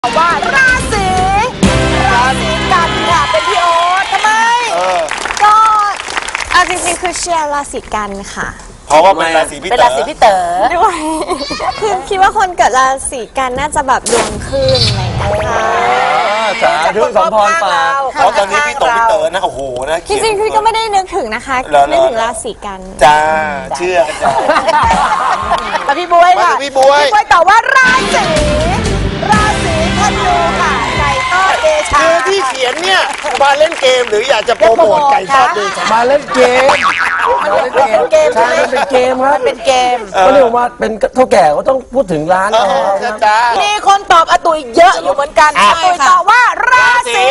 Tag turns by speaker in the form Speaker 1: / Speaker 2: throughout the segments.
Speaker 1: ว่าราศีกันค่ะเป็นพี่โอ๊ตทำไม
Speaker 2: ก็เอาจริงๆคือเชียร์ราศีกันค่ะ
Speaker 3: เพราะว่าเป็นราศีพี่เต๋อ
Speaker 2: ด้วยคือคิดว่าคนเกิดราศีกันน่าจะแบบดวงขึ้นอะไรอย่างเงี้ยค่ะ
Speaker 4: สาธุสมพรปาก
Speaker 3: เพราะตอนนี้พี่เต๋อนะโอ้โหนะ
Speaker 2: จริงๆคือก็ไม่ได้นึกถึงนะคะนึกถึงราศีกัน
Speaker 3: จ้าเชื่อกันจ้า
Speaker 1: แต่พี่บวยค่ะ
Speaker 3: พี่บวย
Speaker 1: ตอบว่าราศีธนูค่ะไก่ทอดเดชา
Speaker 3: คือที่เขียนเนี่ยมาเล่นเกมหรืออยากจะโปรโมทไก่ทอดเดชา
Speaker 4: มาเล่นเกมใช่มันเป็นเกมครับ
Speaker 1: เป็นเกม
Speaker 4: ก็เรียกว่าเป็นเท่าแก่ก็ต้องพูดถึงร้าน
Speaker 3: จ้า
Speaker 1: มีคนตอบอาตุยเยอะอยู่เหมือนกันอาตุยตอบว่าราศี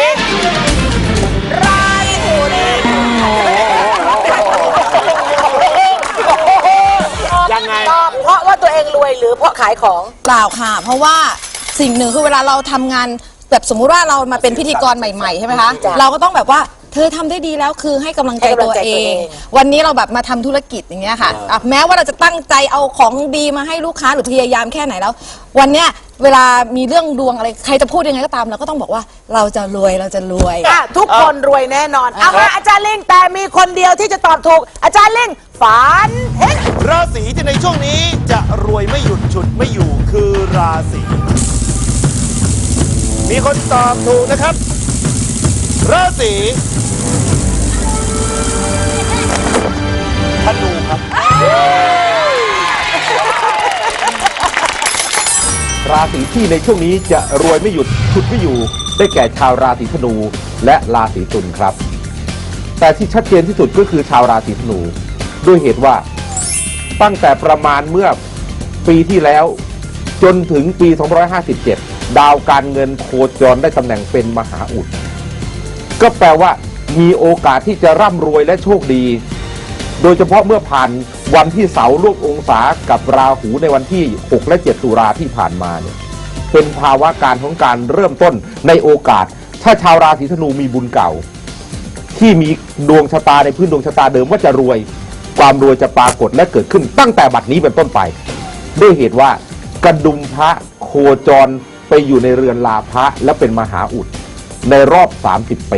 Speaker 3: ยังไง
Speaker 1: ตอบเพราะว่าตัวเองรวยหรือเพราะขายของ
Speaker 5: เปล่าค่ะเพราะว่าสิ่งหนึ่งคือเวลาเราทำงานแบบสมมุติว่าเรามาเป็นพิธีกรใหม่ๆใช่ไหมคะเราก็ต้องแบบว่าเธอทำได้ดีแล้วคือให้กำลังใจตัวเองวันนี้เราแบบมาทำธุรกิจอย่างเงี้ยค่ะแม้ว่าเราจะตั้งใจเอาของดีมาให้ลูกค้าหรือพยายามแค่ไหนแล้ววันเนี้ยเวลามีเรื่องดวงอะไรใครจะพูดยังไงก็ตามเราก็ต้องบอกว่าเราจะรวย
Speaker 1: ทุกคนรวยแน่นอนเอามาอาจารย์ลิงแต่มีคนเดียวที่จะตอบถูกอาจารย์ลิงฝันเห็น
Speaker 3: ราศีที่ในช่วงนี้จะรวยไม่หยุดฉุดไม่อยู่คือราศีมีคนตอบถูกนะครับราศีธนูครับ
Speaker 6: ราศีที่ในช่วงนี้จะรวยไม่หยุดฉุดไม่อยู่ได้แก่ชาวราศีธนูและราศีตุลครับแต่ที่ชัดเจนที่สุดก็คือชาวราศีธนูด้วยเหตุว่าตั้งแต่ประมาณเมื่อปีที่แล้วจนถึงปี 2557 ดาวการเงินโคจรได้ตำแหน่งเป็นมหาอุดก็แปลว่ามีโอกาสที่จะร่ำรวยและโชคดีโดยเฉพาะเมื่อผ่านวันที่เสาร์ร่วมองศากับราหูในวันที่6และ7ตุลาที่ผ่านมาเนี่ยเป็นภาวะการของการเริ่มต้นในโอกาสถ้าชาวราศีธนูมีบุญเก่าที่มีดวงชะตาในพื้นดวงชะตาเดิมว่าจะรวยความรวยจะปรากฏและเกิดขึ้นตั้งแต่บัดนี้เป็นต้นไปด้วยเหตุว่ากระดุมพระโคจรไปอยู่ในเรือนลาภะและเป็นมหาอุดในรอบ30 ปี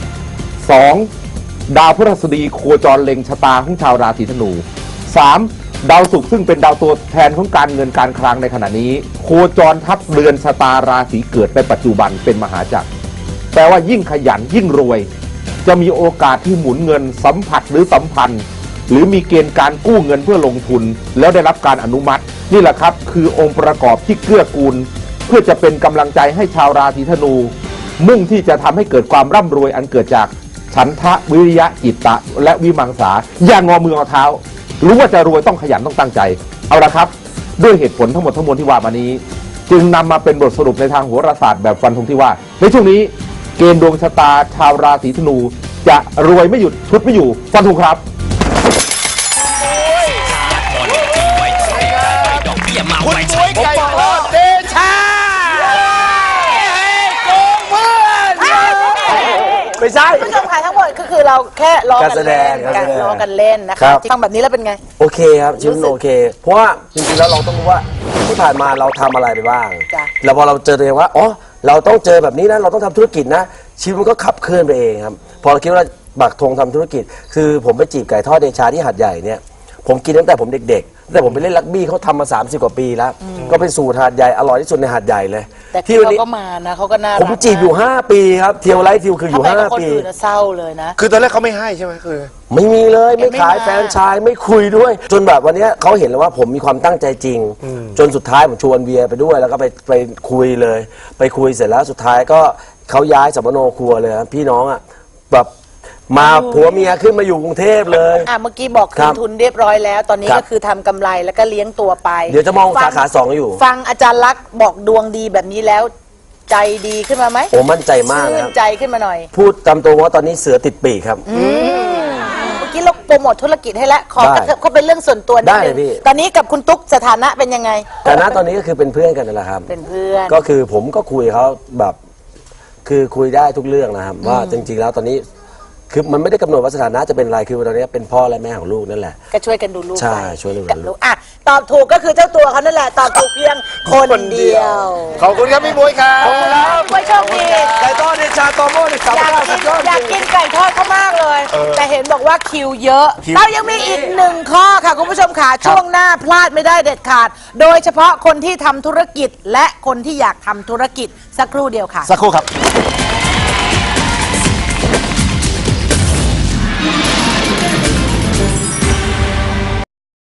Speaker 6: 2. ดาวพฤหัสบดีโคจรเล็งชะตาของชาวราศีธนู 3. ดาวศุกร์ซึ่งเป็นดาวตัวแทนของการเงินการคลังในขณะนี้โคจรทับเรือนชะตาราศีเกิดในปัจจุบันเป็นมหาจักรแปลว่ายิ่งขยันยิ่งรวยจะมีโอกาสที่หมุนเงินสัมผัสหรือสัมพันธ์หรือมีเกณฑ์การกู้เงินเพื่อลงทุนแล้วได้รับการอนุมัตินี่แหละครับคือองค์ประกอบที่เกื้อกูลเพื่อจะเป็นกำลังใจให้ชาวราศีธนูมุ่งที่จะทำให้เกิดความร่ำรวยอันเกิดจากฉันทะวิริยะจิตตะและวิมังสาอย่างงอมือเอาเท้ารู้ว่าจะรวยต้องขยันต้องตั้งใจเอาละครับด้วยเหตุผลทั้งหมดทั้งมวลที่ว่ามานี้จึงนำมาเป็นบทสรุปในทางโหราศาสตร์แบบฟันธงที่ว่าในช่วงนี้เกณฑ์ดวงชะตาชาวราศีธนูจะรวยไม่หยุดชุดไม่อยู่ฟันธงครับ
Speaker 3: คุณบวยไก่ทอดเดชาโกงเพื่อน
Speaker 4: ไม่ใช่
Speaker 1: ผู้ชมค่ะทั้งหมดก็คือเราแค่ล้อกันเล่นล้อกันเล่นนะคะฟังแบบนี้แล้วเป็นไง
Speaker 4: โอเคครับชีวิตโอเคเพราะว่าจริงๆแล้วเราต้องรู้ว่าที่ผ่านมาเราทำอะไรไปบ้างแล้วพอเราเจอตัวเองว่าอ๋อเราต้องเจอแบบนี้นะเราต้องทำธุรกิจนะชีวิตมันก็ขับเคลื่อนไปเองครับพอเราคิดว่าบักธงทำธุรกิจคือผมไปจีบไก่ทอดเดชาที่หาดใหญ่เนี่ยผมกินตั้งแต่ผมเด็กๆแต่ผมไปเล่นรักบี้เขาทำมา30 กว่าปีแล้วก็เป็นสูตรหาดใหญ่อร่อยที่สุดในหาดใหญ่เลย
Speaker 1: แต่ที่เขาก็มานะเขาก็น่ารัก
Speaker 4: ผมจีบอยู่5 ปีครับเที่ยวไลฟ์ทิวคืออยู่5 ปี
Speaker 1: เศร้าเลยนะ
Speaker 3: คือตอนแรกเขาไม่ให้ใช่ไหมคือ
Speaker 4: ไม่มีเลยไม่ขายแฟนชายไม่คุยด้วยจนแบบวันนี้เขาเห็นแล้วว่าผมมีความตั้งใจจริงจนสุดท้ายผมชวนเวียไปด้วยแล้วก็ไปคุยเลยไปคุยเสร็จแล้วสุดท้ายก็เขาย้ายสัมมโนครัวเลยพี่น้องอ่ะแบบมาผัวเมียขึ้นมาอยู่กรุงเทพเลย
Speaker 1: เมื่อกี้บอกคืนทุนเรียบร้อยแล้วตอนนี้ก็คือทำกำไรแล้วก็เลี้ยงตัวไป
Speaker 4: เดี๋ยวจะมองสาขา2อยู่
Speaker 1: ฟังอาจารย์ลักษณ์บอกดวงดีแบบนี้แล้วใจดีขึ้นมาไหม
Speaker 4: โอ้มั่นใจมาก
Speaker 1: ชื่นใจขึ้นมาหน่อย
Speaker 4: พูดตามตัวว่าตอนนี้เสือติดปีกครับ
Speaker 1: เมื่อกี้เราโปรโมทธุรกิจให้แล้วขอกระเถิบเขาเป็นเรื่องส่วนตัวนิดนึงตอนนี้กับคุณตุ๊กสถานะเป็นยังไง
Speaker 4: สถานะตอนนี้ก็คือเป็นเพื่อนกันนั่นแหละครับ
Speaker 1: เป็นเพื่อน
Speaker 4: ก็คือผมก็คุยเขาแบบคือคุยได้ทุกเรื่องนะครับว่าจริงๆแล้วตอนนี้คือมันไม่ได้กำหนดว่าสถานะจะเป็นอะไรคือตอนนี้เป็นพ่อและแม่ของลูกนั่นแหละ
Speaker 1: ก็ช่วยกันดูลูก
Speaker 4: ใช่ช่วยดูลูก
Speaker 1: ตอบถูกก็คือเจ้าตัวเขานั่นแหละตอบถูกเพียงคนเดียว
Speaker 3: ขอบคุณครับพี่บ๊วยครับ
Speaker 1: ไว้โชคดี
Speaker 4: ไก่ทอดเดชาตอโม่ในสัป
Speaker 1: อยาก
Speaker 4: ดาห์
Speaker 1: กิ
Speaker 4: สุ
Speaker 1: น
Speaker 4: ดยอด
Speaker 1: อยาก
Speaker 4: จริ
Speaker 1: กิ
Speaker 4: ง
Speaker 1: นไก่ทอดเขามากเลย แต่เห็นบอกว่าคิวเยอะ
Speaker 3: คิว
Speaker 1: เรายังมีอีกหนึ่งข้อค่ะคุณผู้ชมค่ะช่วงหน้าพลาดไม่ได้เด็ดขาด โดยเฉพาะคนที่ทำธุรกิจและคนที่อยากทำธุรกิจสักครู่เดียวค่ะ
Speaker 3: สักครู่ครับ